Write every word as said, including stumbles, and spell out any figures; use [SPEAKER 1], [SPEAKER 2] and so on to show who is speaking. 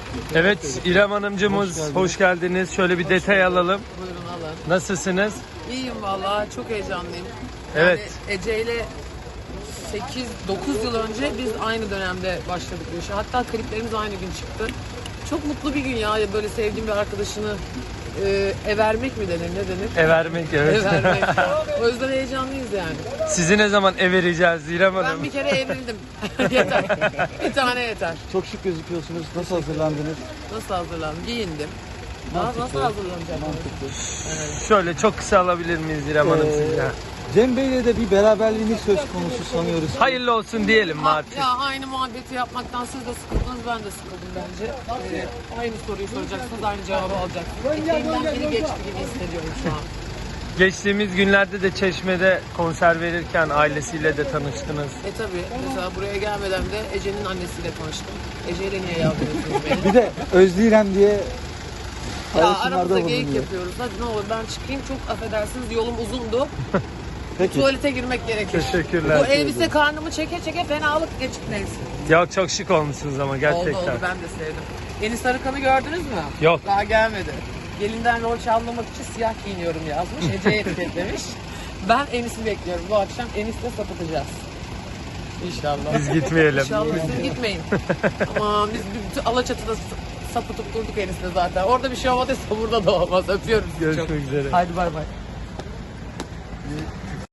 [SPEAKER 1] Evet İrem Hanımcığımız
[SPEAKER 2] Hoş geldiniz.
[SPEAKER 1] hoş geldiniz. Şöyle bir detay alalım.
[SPEAKER 3] Buyurun alın.
[SPEAKER 1] Nasılsınız?
[SPEAKER 3] İyiyim vallahi, çok heyecanlıyım.
[SPEAKER 1] Evet.
[SPEAKER 3] Yani Ece ile sekiz dokuz yıl önce biz aynı dönemde başladık bu işe. Hatta kliplerimiz aynı gün çıktı. Çok mutlu bir gün ya, böyle sevdiğim bir arkadaşını e, evermek mi denir, ne denir?
[SPEAKER 1] Evermek evet.
[SPEAKER 3] Evermek. O yüzden heyecanlıyız yani.
[SPEAKER 1] Sizi ne zaman evereceğiz İrem
[SPEAKER 3] Ben
[SPEAKER 1] Hanım?
[SPEAKER 3] bir kere evrildim. Yeter. Bir tane yeter.
[SPEAKER 2] Çok şık gözüküyorsunuz. Nasıl hazırlandınız?
[SPEAKER 3] Nasıl hazırlandım? Giyindim. Daha nasıl hazırlanacağım?
[SPEAKER 2] Mantıklı.
[SPEAKER 1] Şöyle çok kısa alabilir miyiz İrem Hanım
[SPEAKER 2] Ee,
[SPEAKER 1] sizden?
[SPEAKER 2] Cem Bey'le de bir beraberliğiniz söz konusu sanıyoruz.
[SPEAKER 1] Hayırlı olsun diyelim mi
[SPEAKER 3] Ha,
[SPEAKER 1] artık?
[SPEAKER 3] ya aynı muhabbeti yapmaktan siz de sıkıldınız, ben de sıkıldım bence. Ee, aynı soruyu soracaksınız, aynı cevabı alacaksınız. Eteğimden biri geçti gibi hissediyorum şu an.
[SPEAKER 1] Geçtiğimiz günlerde de Çeşme'de konser verirken ailesiyle de tanıştınız.
[SPEAKER 3] E tabi, mesela buraya gelmeden de Ece'nin annesiyle tanıştım. Ece ile niye yazdırıyorsunuz beni?
[SPEAKER 2] Bir de Özleyirem diye
[SPEAKER 3] Ya
[SPEAKER 2] paylaşımlarda
[SPEAKER 3] aramızda geyik
[SPEAKER 2] bulunuyor.
[SPEAKER 3] yapıyoruz. Hadi ne olur ben çıkayım, çok affedersiniz yolum uzundu.
[SPEAKER 2] Peki.
[SPEAKER 3] Tuvalete girmek gerekir.
[SPEAKER 1] Teşekkürler.
[SPEAKER 3] Bu elbise karnımı çeke çeke fenalık geçip neyse.
[SPEAKER 1] Ya çok şık olmuşsunuz ama gerçekten.
[SPEAKER 3] Oldu oldu, ben de sevdim. Yeni Sarıkan'ı gördünüz mü?
[SPEAKER 1] Yok.
[SPEAKER 3] Daha gelmedi. Gelinden rol çalmamak için siyah giyiniyorum yazmış. Ece'ye etiketlemiş. Ben Enis'i bekliyorum. Bu akşam Enis'le sapıtacağız. İnşallah.
[SPEAKER 1] Biz gitmeyelim.
[SPEAKER 3] İnşallah siz gitmeyin. Aman biz bütün Alaçatı'da sapıtıp durduk Enis'le zaten. Orada bir şey olmadıysa burada da olmaz. Öpüyorum sizi çok.
[SPEAKER 1] Görüşmek üzere.
[SPEAKER 3] Haydi bay bay.